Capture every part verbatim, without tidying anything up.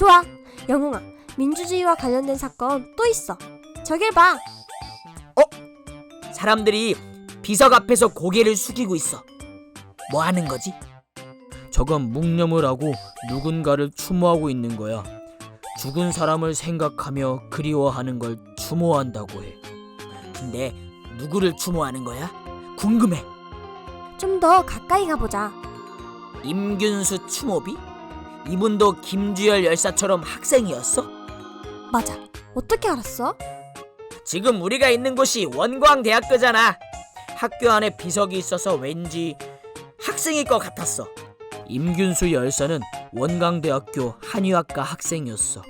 좋아. 영웅아, 민주주의와 관련된 사건 또 있어. 저길 봐. 사람들이 비석 앞에서 고개를 숙이고 있어. 뭐 하는 거지? 저건 묵념을 하고 누군가를 추모하고 있는 거야. 죽은 사람을 생각하며 그리워하는 걸 추모한다고 해. 근데 누구를 추모하는 거야? 궁금해. 좀 더 가까이 가보자. 임균수 추모비? 이분도 김주열 열사처럼 학생이었어? 맞아. 어떻게 알았어? 지금 우리가 있는 곳이 원광대학교잖아. 학교 안에 비석이 있어서 왠지 학생일 것 같았어. 임균수 열사는 원광대학교 한의학과 학생이었어.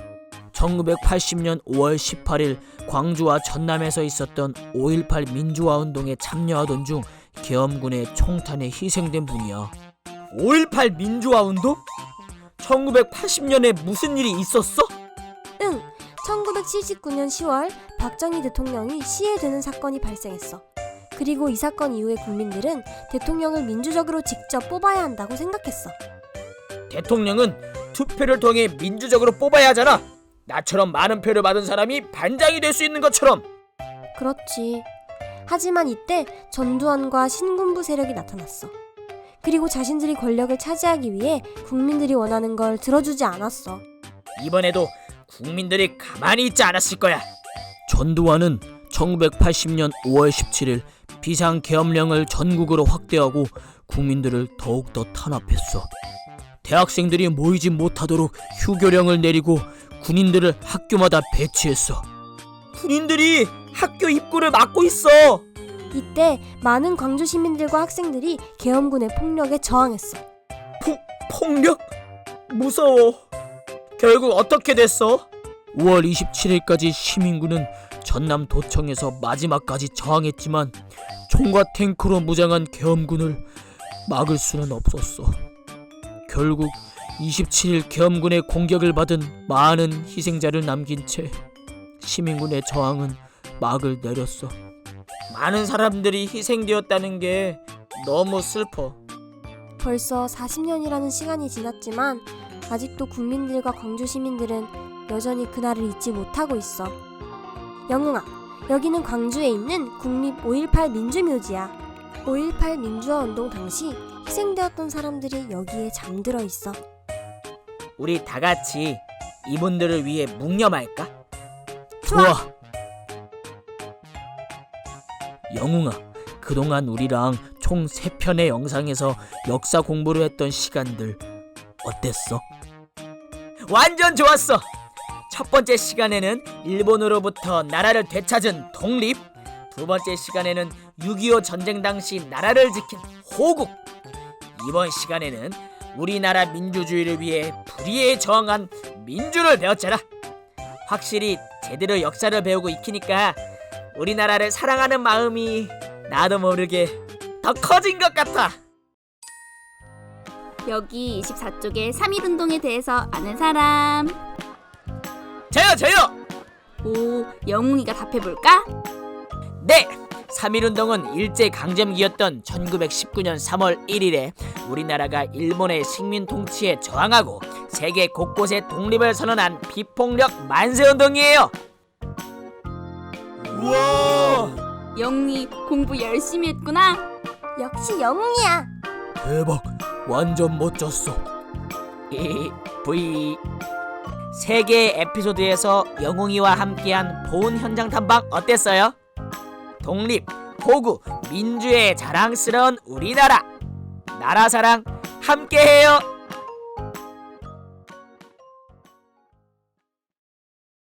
천구백팔십 년 오월 십팔일 광주와 전남에서 있었던 오일팔 민주화운동에 참여하던 중 계엄군의 총탄에 희생된 분이야. 오일팔 민주화운동? 천구백팔십 년에 무슨 일이 있었어? 응. 천구백칠십구 년 시월 박정희 대통령이 시해되는 사건이 발생했어. 그리고 이 사건 이후에 국민들은 대통령을 민주적으로 직접 뽑아야 한다고 생각했어. 대통령은 투표를 통해 민주적으로 뽑아야 하잖아. 나처럼 많은 표를 받은 사람이 반장이 될 수 있는 것처럼. 그렇지. 하지만 이때 전두환과 신군부 세력이 나타났어. 그리고 자신들이 권력을 차지하기 위해 국민들이 원하는 걸 들어주지 않았어. 이번에도 국민들이 가만히 있지 않았을 거야. 전두환은 천구백팔십 년 오월 십칠일 비상계엄령을 전국으로 확대하고 국민들을 더욱더 탄압했어. 대학생들이 모이지 못하도록 휴교령을 내리고 군인들을 학교마다 배치했어. 군인들이 학교 입구를 막고 있어. 이때 많은 광주 시민들과 학생들이 계엄군의 폭력에 저항했어. 포, 폭력? 무서워. 결국 어떻게 됐어? 오월 이십칠일까지 시민군은 전남 도청에서 마지막까지 저항했지만 총과 탱크로 무장한 계엄군을 막을 수는 없었어. 결국 이십칠일 계엄군의 공격을 받은 많은 희생자를 남긴 채 시민군의 저항은 막을 내렸어. 많은 사람들이 희생되었다는 게 너무 슬퍼. 벌써 사십 년이라는 시간이 지났지만 아직도 국민들과 광주 시민들은 여전히 그날을 잊지 못하고 있어. 영웅아, 여기는 광주에 있는 국립 오일팔 민주묘지야. 오일팔 민주화 운동 당시 희생되었던 사람들이 여기에 잠들어 있어. 우리 다 같이 이분들을 위해 묵념할까? 좋아. 영웅아, 그동안 우리랑 총 세 편의 영상에서 역사 공부를 했던 시간들 어땠어? 완전 좋았어! 첫 번째 시간에는 일본으로부터 나라를 되찾은 독립, 두 번째 시간에는 육이오 전쟁 당시 나라를 지킨 호국, 이번 시간에는 우리나라 민주주의를 위해 불의에 저항한 민주를 배웠잖아. 확실히 제대로 역사를 배우고 익히니까 우리나라를 사랑하는 마음이 나도 모르게 더 커진 것 같아. 여기 이십사 쪽에 삼일운동에 대해서 아는 사람? 저요 저요! 오, 영웅이가 답해볼까? 네! 삼일운동은 일제강점기였던 천구백십구 년 삼월 일일에 우리나라가 일본의 식민 통치에 저항하고 세계 곳곳에 독립을 선언한 비폭력 만세운동이에요. 우와! 영웅이 공부 열심히 했구나. 역시 영웅이야. 대박! 완전 멋졌어. 이 V 세 개의 에피소드에서 영웅이와 함께한 보훈 현장 탐방 어땠어요? 독립, 호구, 민주의 자랑스러운 우리나라, 나라 사랑 함께해요.